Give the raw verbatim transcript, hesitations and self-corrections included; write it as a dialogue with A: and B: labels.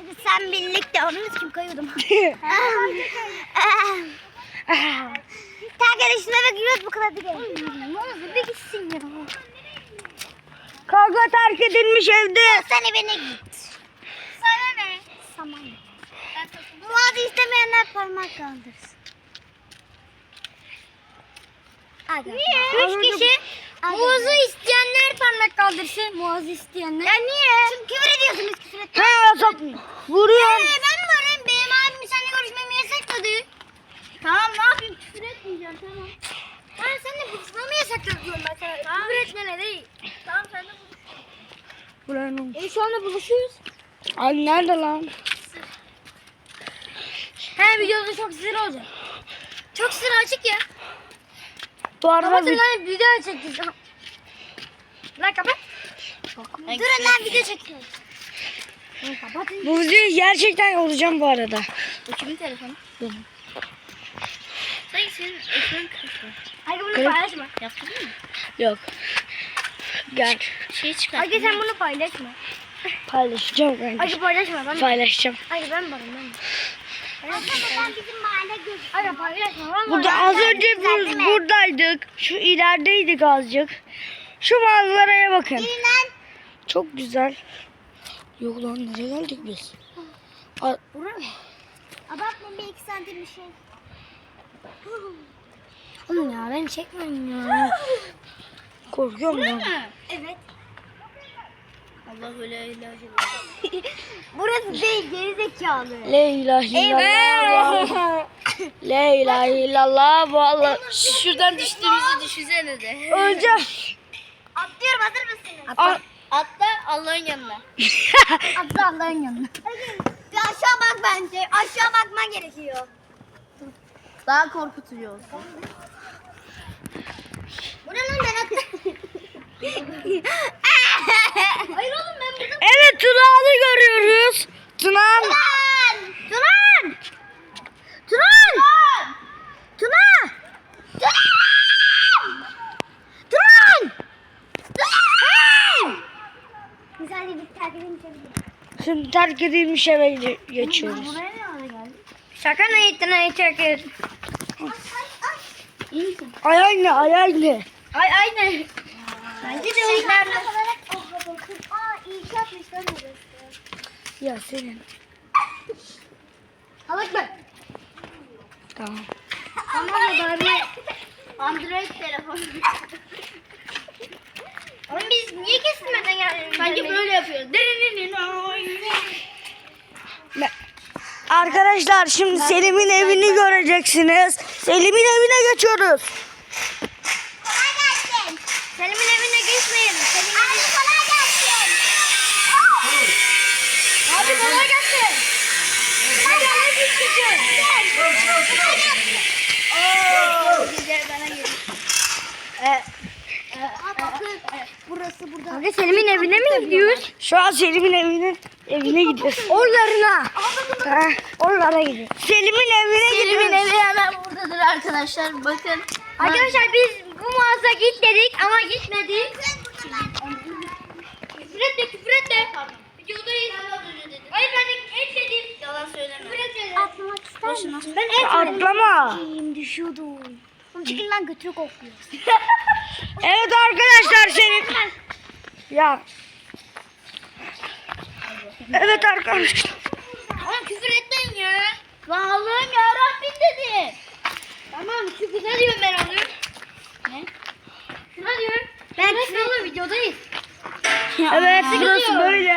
A: Sen birlikte onun için koyuyordum. Arkadaşına da giriyoruz bu kadar değil. Ne bir gitsin ya.
B: Kavga terk edilmiş evde.
A: Sen evine git. Sana ne? Saman. Muazı istemeyenler parmak kaldırsın. Niye? Üç kişi. Muazı isteyenler parmak kaldırsın. Muazı isteyenler. Ya niye? Çünkü küfür ediyorsunuz, küfür etmeyin.
B: Ha, sap vuruyor.
A: Ee, ben varım. Benim abim seninle görüşmemi yasakladı. Tamam, ne yapayım? Küfür etmeyeceğim, tamam. Ben seninle buluşmamı yasakladım ben sana. Tamam. Küfür etmene değil. Tamam, sen de buluş.
B: Buranın.
A: E şu anda buluşuyoruz.
B: Ay nerede lan?
A: He, videoda çok sinir olacak. Çok sinir açık ya.
B: Bu arada
A: Kapatın
B: bir...
A: lan, video çekeceğiz. Lan kapat. Durun lan, video çekiyoruz. Kapatın.
B: Bu videoyu gerçekten olacağım bu arada.
A: Bu kimin telefonu?
B: Benim.
A: Sanki senin ekran kırık. Hayır, bunu
B: Kırık.
A: paylaşma. Yaptın mı?
B: Yok. Gel.
A: Şey çıkar. Hayır, sen bunu paylaşma.
B: Paylaşacağım kanka.
A: Hayır, paylaşma. Ben
B: Paylaşacağım.
A: Hayır, ben varım ben. Aslında bizim mahalle gözüküyor. Hayır, paylaşma. Ben
B: Burada
A: varım.
B: az önce bur buradaydık. Şu ilerideydik azıcık. Şu manzaraya bakın.
A: Birinden.
B: Çok güzel. Yok lan nereye geldik biz? A
A: Buraya mı? Abartma, bir iki santim bir şey.
B: Oğlum ya ben çekmiyorum ya. Korkuyorum ya.
A: Evet.
C: Allah öyle ilahi.
A: Burası değil, gerizekalı.
B: La ilahe illallah. La ilahe illallah. Vallahi
C: Şuradan düştüğümüzü düşünsene de.
B: öleceğim.
A: Atlıyorum, hazır mısınız?
B: A-
C: Atla Allah'ın yanına.
A: Atla Allah'ın yanına. Bir aşağı bak bence. Aşağı bakman gerekiyor.
C: Daha korkutucu olsun.
A: Bu ne lan, ben atlayayım. Hayır oğlum, ben burada.
B: Evet Tuna'nı görüyoruz. Tuna.
A: Turan! Turan! Turan! Tuna! Turan! Turan! Turan! Güzel bir terk edin.
B: Şimdi terk edilmiş eve ge- geçiyoruz.
A: Buraya ne ara geldi?
B: Şaka ne ettin ay terk et.
A: Ay ay ay. İyi misin?
B: Ay anne ay anne.
A: Ay aynen. Bence de şeyler olarak oh bakın. Aa iyi yapmışlar burası.
B: Ya senin.
A: Alak bak.
B: Tamam.
A: Ama da bari
C: Android telefon.
A: Oğlum biz niye kesilmeden geldik?
C: Bence böyle yapıyoruz.
B: Ne- Arkadaşlar şimdi Selim'in evini göreceksiniz. Selim'in evine geçiyoruz.
A: Kolay gelsin. Selim'in evine geçmeyin. Selim'in Abi kolay gelsin. Abi kolay gelsin. Hadi hadi biz çıkıyoruz.
C: Oo, güzel bana gelin.
B: E,
A: Aa bakın. Burası burada.
B: Abi Selim'in evine mi gidiyoruz? Şu an Selim'in evine evine gidiyoruz. Oralarına. Ha, oralara gidiyoruz. Selim'in evine
C: Selim'in
B: gidiyoruz.
C: evi hemen buradadır arkadaşlar. Bakın.
A: Arkadaşlar biz bu mağaza git dedik ama gitmedik.
C: Küfür etme, küfür etme. Videodayız. Hayır ben etmedim. Yalan söyleme.
A: Küfür etmedim. Atlamak ister
C: Boşuna.
A: misin? Ben etmedim.
B: Atlama.
A: Düşüyordum. Oğlum çıkın lan, götürü kokluyor.
B: Evet arkadaşlar Selim. Ya. Evet arkadaşlar.
C: Oğlum küfür etmeyin ya. Lan Allah'ım ya Rabbim dedi. Tamam küfür ne diyorum ben alıyorum. Ne? Şuna diyorum.
A: Ben
C: Küfür etme oğlum videodayız.
B: Evet burası böyle.